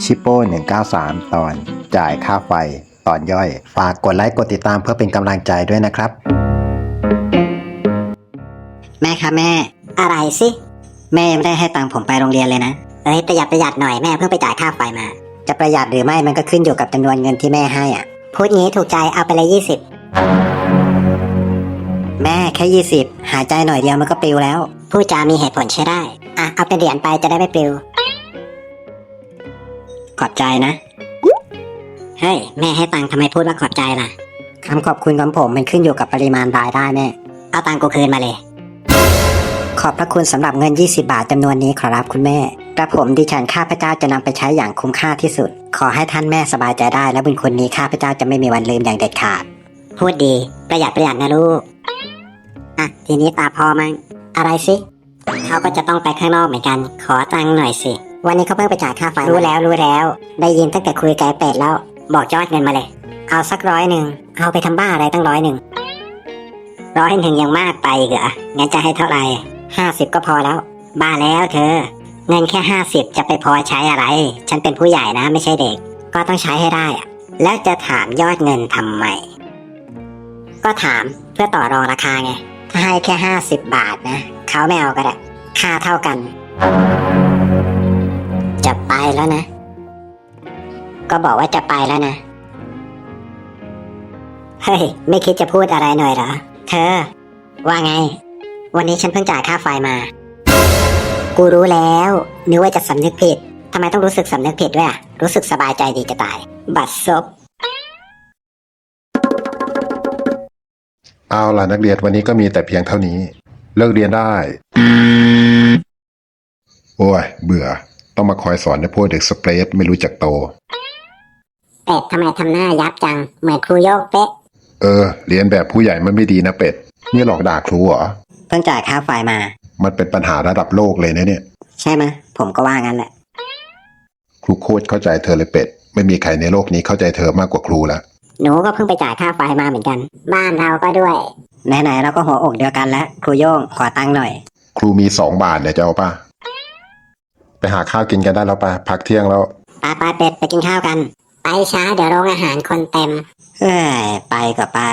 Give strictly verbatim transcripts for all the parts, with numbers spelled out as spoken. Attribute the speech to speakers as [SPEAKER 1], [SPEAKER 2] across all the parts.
[SPEAKER 1] ชิปโป้หนึ่งเก้าสามตอนจ่ายค่าไฟตอนย่อยฝากกดไลค์กดติดตามเพื่อเป็นกำลังใจด้วยนะครับ
[SPEAKER 2] แม่ครับแม่อะไรสิแม่ยังไม่ได้ให้ตังค์ผมไปโรงเรียนเลยนะเอ้ยประหยัดประหยัดหน่อยแม่เพิ่งไปจ่ายค่าไฟมาจะประหยัดหรือไม่มันก็ขึ้นอยู่กับจำนวนเงินที่แม่ให้อ่ะพูดงี้ถูกใจเอาไปเลยยี่สิบแม่แค่ยี่สิบหายใจหน่อยเดียวมันก็ปลิวแล้วพูดจามีเหตุผลใช้ได้อ่ะเอาเป็นเหรียญไปจะได้ไม่ปลิวขอบใจนะเฮ้ยแม่ให้ตังค์ทำไมพูดว่าขอบใจล่ะคำขอบคุณของผมมันขึ้นอยู่กับปริมาณรายได้แม่เอาตังค์กูคืนมาเลยขอบพระคุณสำหรับเงินยี่สิบบาทจำนวนนี้ขอรับคุณแม่กระผมดิฉันข้าพเจ้าจะนำไปใช้อย่างคุ้มค่าที่สุดขอให้ท่านแม่สบายใจได้และบุญคุณนี้ข้าพเจ้าจะไม่มีวันลืมอย่างเด็ดขาดพูดดีประหยัดประหยัดนะลูกอ่ะทีนี้ตาพ่อมั้งอะไรสิเขาก็จะต้องไปข้างนอกเหมือนกันขอตังค์หน่อยสิวันนี้เขาเพิ่งไปจ่ายค่าไฟรู้แล้วรู้แล้วได้ยินตั้งแต่คุยกับไอ้เป็ดแล้วบอกยอดเงินมาเลยเอาสักร้อยหนึ่งเอาไปทำบ้าอะไรตั้งร้อยหนึ่งร้อยหนึ่งยังมากไปเหรองั้นจะให้เท่าไหร่ห้าสิบก็พอแล้วบ้าแล้วเธอเงินแค่ห้าสิบจะไปพอใช้อะไรฉันเป็นผู้ใหญ่นะไม่ใช่เด็กก็ต้องใช้ให้ได้อะแล้วจะถามยอดเงินทำไมก็ถามเพื่อต่อรองราคาไงถ้าให้แค่ห้าสิบบาทนะเขาไม่เอาก็ได้ค่าเท่ากันจะไปแล้วนะก็บอกว่าจะไปแล้วนะเฮ้ยไม่คิดจะพูดอะไรหน่อยเหรอเธอว่าไงวันนี้ฉันเพิ่งจ่ายค่าไฟมากูรู้แล้วนึกว่าจะสำนึกผิดทำไมต้องรู้สึกสำนึกผิดด้วยอ่ะรู้สึกสบายใจดีจะตายบัดซบ
[SPEAKER 3] เอาล่ะนักเรียนวันนี้ก็มีแต่เพียงเท่านี้เลิกเรียนได้โอ้ยเบื่อต้องมาคอยสอนในพวกเด็กสเปรดไม่รู้จักโต
[SPEAKER 2] เป็ดทำไมทำหน้ายับจังเหมือนครูโยกเป๊ะ
[SPEAKER 3] เออเรียนแบบผู้ใหญ่มันไม่ดีนะเป็ดนี่หลอกด่าครูเหรอ
[SPEAKER 2] เพิ่งจ่ายค่าไฟมา
[SPEAKER 3] มันเป็นปัญหาระดับโลกเลยนะเนี่ย
[SPEAKER 2] ใช่ไหมผมก็ว่างั้นแหละ
[SPEAKER 3] ครูโคตรเข้าใจเธอเลยเป็ดไม่มีใครในโลกนี้เข้าใจเธอมากกว่าครูแล้ว
[SPEAKER 2] หนูก็เพิ่งไปจ่ายค่าไฟมาเหมือนกันบ้านเราก็ด้วยไหนๆเราก็หัวอกเดียวกันแล้วครูโย่งขอตังค์หน่อย
[SPEAKER 3] ครูมีสองบาทเนี่ยจะเอาป่ะไปหาข้าวกินกันได้แล้วป่ะพักเที่ยงแล้ว
[SPEAKER 2] ไปไปเป็ดไปกินข้าวกันไปช้าเดี๋ยวโรงอาหารคนเต็มเอ้ยไปก็ไป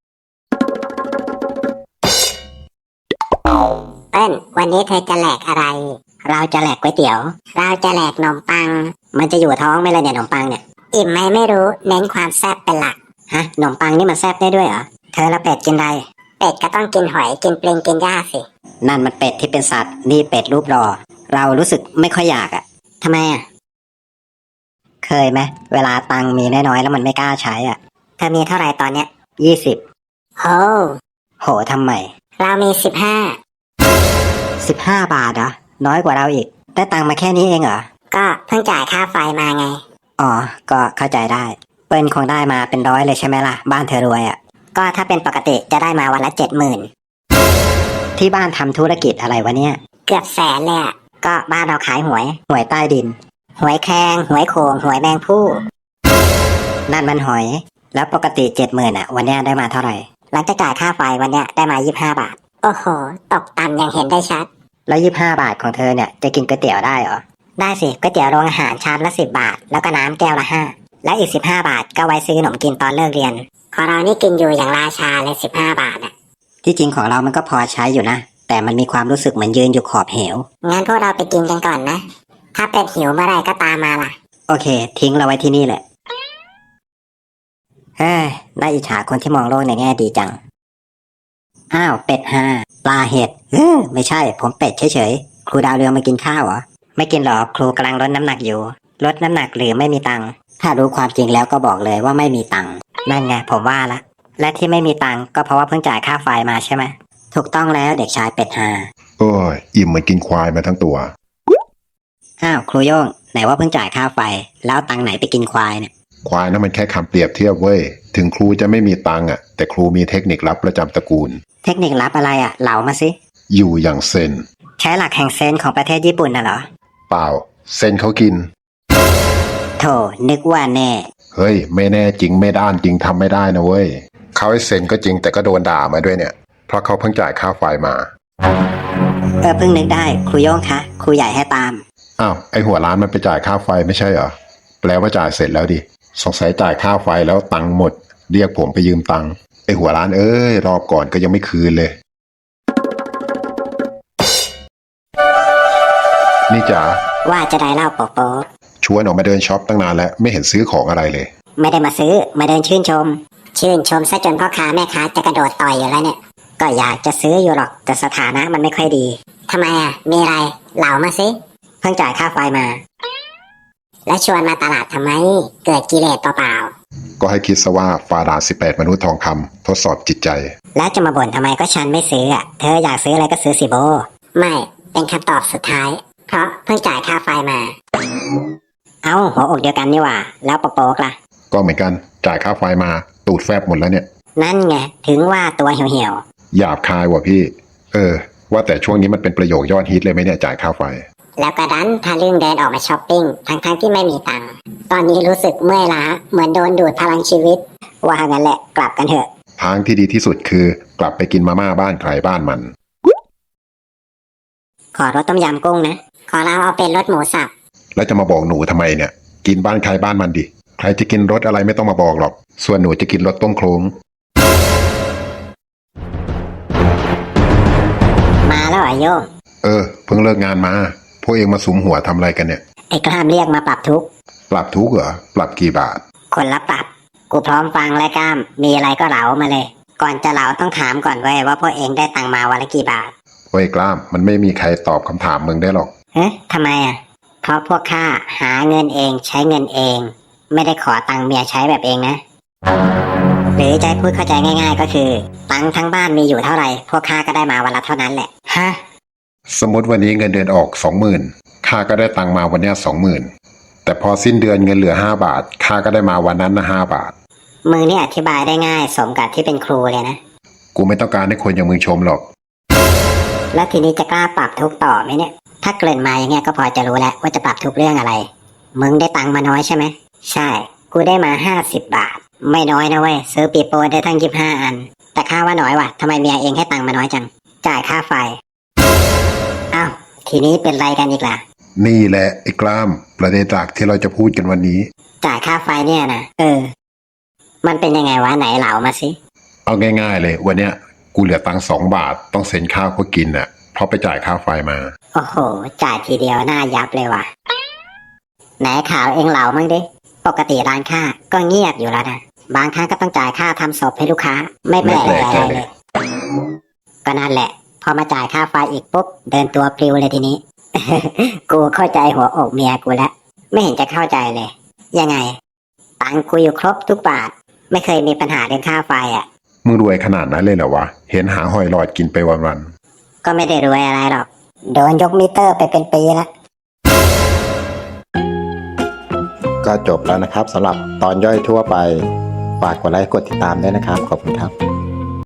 [SPEAKER 2] เต้นวันนี้เธอจะแหลกอะไรเราจะแหลกก๋วยเตี๋ยวเราจะแหลกขนมปังมันจะอยู่ท้องไหมล่ะเนี่ยขนมปังเนี่ยอิ่มไหมไม่รู้เน้นความแซ่บเป็นหลักฮะขนมปังนี่มันแซ่บได้ด้วยเหรอเธอละเป็ดกินอะไรเป็ดก็ต้องกินหอยกินปลิงกินหญ้าสินั่นมันเป็ดที่เป็นสัตว์นี่เป็ดรูปรอเรารู้สึกไม่ค่อยอยากอ่ะทำไมอ่ะเคยไหมเวลาตังมีน้อยๆแล้วมันไม่กล้าใช้อ่ะเธอมีเท่าไหร่ตอนเนี้ยยี่สิบโอ้โหทำไมเรามีสิบห้าสิบห้าบาทเหรอน้อยกว่าเราอีกได้ตังมาแค่นี้เองเหรอก็เพิ่งจ่ายค่าไฟมาไงอ๋อก็เข้าใจได้เปิ้ลคงได้มาเป็นร้อยเลยใช่ไหมล่ะบ้านเธอรวยอ่ะก็ถ้าเป็นปกติจะได้มาวันละเจ็ดหมื่นที่บ้านทำธุรกิจอะไรวะเนี่ยเกือบแสนเลยอ่ะก็บ้านเราขายหวยหวยใต้ดินหวยแครงหวยโขงหวยแมงผู้นั่นมันหอยแล้วปกติเจ็ดหมื่นอ่ะวันนี้ได้มาเท่าไหร่หลังจากจ่ายค่าไฟวันนี้ได้มายี่สิบห้าบาทโอ้โหตกต่ำอย่างเห็นได้ชัดแล้วยี่สิบห้าบาทของเธอเนี่ยจะกินก๋วยเตี๋ยวได้เหรอได้สิก๋วยเตี๋ยวโรงอาหารชามละสิบบาทแล้วก็น้ำแก้วละห้าและอีกสิบห้าบาทก็ไว้ซื้อขนมกินตอนเลิกเรียนของเรานี่กินอยู่อย่างราชาเลยสิบห้าบาทอ่ะที่จริงของเรามันก็พอใช้อยู่นะแต่มันมีความรู้สึกเหมือนยืนอยู่ขอบเหวงั้นพวกเราไปกินกันก่อนนะถ้าเป็ดหิวเมื่อไรก็ตามมาล่ะโอเคทิ้งเราไว้ที่นี่แหละเฮ้ยน่าอิจฉาคนที่มองโลกในแง่ดีจังอ้าวเป็ดห่าปลาเห็ดเออไม่ใช่ผมเป็ดเฉยๆครูดาวเรืองมากินข้าวเหรอไม่กินหรอกครูกำลังลดน้ำหนักอยู่ลดน้ำหนักหรือไม่มีตังค์ถ้ารู้ความจริงแล้วก็บอกเลยว่าไม่มีตังค์นั่นไงผมว่าละและที่ไม่มีตังค์ก็เพราะว่าเพิ่งจ่ายค่าไฟมาใช่ไหมถูกต้องแล้วเด็กชายเป็ดห่า
[SPEAKER 3] โอ้ยอิ่มเหมือนกินควายมาทั้งตัว
[SPEAKER 2] อ้าวครูโย่งไหนว่าเพิ่งจ่ายค่าไฟแล้วตังค์ไหนไปกินควายเนี่ย
[SPEAKER 3] ควายนั่นมันแค่คำเปรียบเทียบเว้ยถึงครูจะไม่มีตังค์อ่ะแต่ครูมีเทคนิคลับประจำตระกูล
[SPEAKER 2] เทคนิคลับอะไรอ่ะเล่ามาสิ
[SPEAKER 3] อยู่อย่างเซน
[SPEAKER 2] ใช้หลักแห่งเซนของประเทศญี่ปุ่นน่ะเหรอ
[SPEAKER 3] เปล่าเซนเขากิน
[SPEAKER 2] โธ่นึกว่าแน่
[SPEAKER 3] เฮ้ยไม่แน่จริงไม่ด้านจริงทำไม่ได้นะเว้ยเขาให้เซนก็จริงแต่ก็โดนด่ามาด้วยเนี่ยเพราะเขาเพิ่งจ่ายค่าไฟมา
[SPEAKER 2] เออเพิ่งนึกได้ครูโย่งคะครูใหญ่ให้ตาม
[SPEAKER 3] อ้าวไอหัวร้านมันไปจ่ายค่าไฟไม่ใช่เหรอแปลว่าจ่ายเสร็จแล้วดิสงสัยจ่ายค่าไฟแล้วตังค์หมด เรียกผมไปยืมตังค์ไอหัวร้านเอ้ยรอบก่อนก็ยังไม่คืนเลย นี่จ๋า
[SPEAKER 2] ว่าจะได้เล่าโป๊ะโป๊ะ
[SPEAKER 3] ชวนออกมาเดินช็อปตั้งนานแล้วไม่เห็นซื้อของอะไรเลย
[SPEAKER 2] ไม่ได้มาซื้อมาเดินชื่นชม ชื่นชมซะจนพ่อค้าแม่ค้าจะกระโดดต่อยอยู่แล้วเนี่ย ก็อยากจะซื้ออยู่หรอกแต่สถานะมันไม่ค่อยดีทำไมอ่ะมีอะไรเหล่ามาสิเพิ่งจ่ายค่าไฟมา แล้วชวนมาตลาดทำไมเกิดกิเลสเปล่า
[SPEAKER 3] ก็ให้คิดซะว่าฟาดาสิบแปดมนุษย์ทองคำทดสอบจิตใจ
[SPEAKER 2] ๆแล้วจะมาบ่นทำไมก็ฉันไม่ซื้ออ่ะเธออยากซื้ออะไรก็ซื้อสิโบไม่เป็นคำตอบสุดท้าย เพราะเพิ่งจ่ายค่าไฟมา เอ้าหัวอกเดียวกันนี่หว่าแล้วโป๊กๆล่ะ
[SPEAKER 3] ก็เหมือนกันจ่ายค่าไฟมาตูดแฟบหมดแล้วเนี่ย
[SPEAKER 2] นั่นไงถึงว่าตัวเหี่ยว
[SPEAKER 3] หยาบคายว่ะพี่ เออ ว่าแต่ช่วงนี้มันเป็นประโยคยอดฮิตเลยไหมเนี่ยจ่ายค่าไฟ
[SPEAKER 2] ๆแล้วก็ดันทะลึ่งเดินออกมาช้อปปิ้งทั้งๆที่ไม่มีตังค์ตอนนี้รู้สึกเมื่อยล้าเหมือนโดนดูดพลังชีวิต ว่างั้นแหละกลับกันเถอะ
[SPEAKER 3] ทางที่ดีที่สุดคือกลับไปกินมาม่าบ้านใครบ้านมัน
[SPEAKER 2] ขอรสต้มยำกุ้งนะขอเราเอาเป็นรสหมูสับ
[SPEAKER 3] แล้วจะมาบอกหนูทำไมเนี่ย กินบ้านใครบ้านมันดิใครจะกินรสอะไรไม่ต้องมาบอกหรอก ส่วนหนูจะกินรสต้มโคลง
[SPEAKER 2] มาแล้วเหรอโยม
[SPEAKER 3] เออ เพิ่งเลิกงานมา พวกเองมาสุมหัวทำอะไรกันเนี่ย
[SPEAKER 2] ไอ้กล้ามเรียกมาปรับทุกข์
[SPEAKER 3] ปรับทุกข์เหรอ ปรับกี่บาท
[SPEAKER 2] คนละปรับ กูพร้อมฟังและกล้าม มีอะไรก็เหลามาเลย ก่อนจะเหลาต้องถามก่อนเว้ยว่าพวกเองได้ตังค์มาวันละกี่บาท
[SPEAKER 3] เว้ยกล้าม มันไม่มีใครตอบคำถามมึงได้หรอก
[SPEAKER 2] เอ๊ะทำไมอ่ะ เพราะพวกข้าหาเงินเองใช้เงินเอง ไม่ได้ขอตังค์เมียใช้แบบเองนะ หรือจะให้พูดเข้าใจง่าย ๆ ก็คือ ตังค์ทั้งบ้านมีอยู่เท่าไหร่ พวกข้าก็ได้มาวันละเท่านั้นแหละ ฮะ
[SPEAKER 3] สมมติวันนี้เงินเดือนออกสองหมื่นข้าก็ได้ตังค์มาวันเนี้สองหมื่นแต่พอสิ้นเดือนเงินเหลือห้าบาทข้าก็ได้มาวันนั้นนะห้าบาท
[SPEAKER 2] มึงนี่อธิบายได้ง่ายสมกับที่เป็นครูเลยนะ
[SPEAKER 3] กูไม่ต้องการให้คนอย่างมึงชมหรอก
[SPEAKER 2] แล้วทีนี้จะกล้าปรับทุกข์ต่อไหมเนี่ย ถ้าเกริ่นมาอย่างเงี้ยก็พอจะรู้แล้วว่าจะปรับทุกเรื่องอะไร มึงได้ตังค์มาน้อยใช่ไหม ใช่ กูได้มาห้าสิบบาท ไม่น้อยนะเว้ยซื้อปีโป้ได้ทั้งยี่สิบห้าอัน แต่ข้าว่าน้อยว่ะทำไมเมียเองให้ตังค์มาน้อยจัง จ่ายค่าไฟ อ้าว ทีนี้เป็นไรกันอีกล่ะ
[SPEAKER 3] นี่แหละไอ้กล้ามประเด็นหลักที่เราจะพูดกันวันนี้
[SPEAKER 2] จ่ายค่าไฟเนี่ยนะ เออ มันเป็นยังไงวะไหนเหลามาสิ
[SPEAKER 3] เอาง่ายๆเลยวันเนี้ยกูเหลือตังค์สองบาทต้องเซ็นข้าวก็กินน่ะเพราะไปจ่ายค่าไฟมา
[SPEAKER 2] โอ้โห จ่ายทีเดียวหน้ายับเลยว่ะ ไหนข่าวเองเหลามั่งดิ ปกติร้านค้าก็เงียบอยู่แล้วนะ บางครั้งก็ต้องจ่ายค่าทำศพให้ลูกค้า ไม่แปลก
[SPEAKER 3] ไม่แปลก
[SPEAKER 2] อะไร
[SPEAKER 3] ใจ
[SPEAKER 2] เล
[SPEAKER 3] เลย ย
[SPEAKER 2] ก็นั่นแหละ พอมาจ่ายค่าไฟอีกปุ๊บ เดินตัวปลิวเลยทีนี้ กูเข้าใจหัวอกเมียกูแล้ว ไม่เห็นจะเข้าใจเลย ยังไง ตังค์กูอยู่ครบทุกบาท ไม่เคยมีปัญหาเรื่องค่าไฟอ่ะ
[SPEAKER 3] มึงรวยขนาดนั้นเลยเหรอวะเห็นหาหอยหลอดกินไปวัน
[SPEAKER 2] ก็ไม่ได้รวยอะไรหรอก โดนยกมิเตอร์ไปเป็นปีแล้ว
[SPEAKER 1] ก็จบแล้วนะครับสำหรับตอนย่อยทั่วไป ฝากกดไลค์กดติดตามด้วยนะครับ ขอบคุณครับ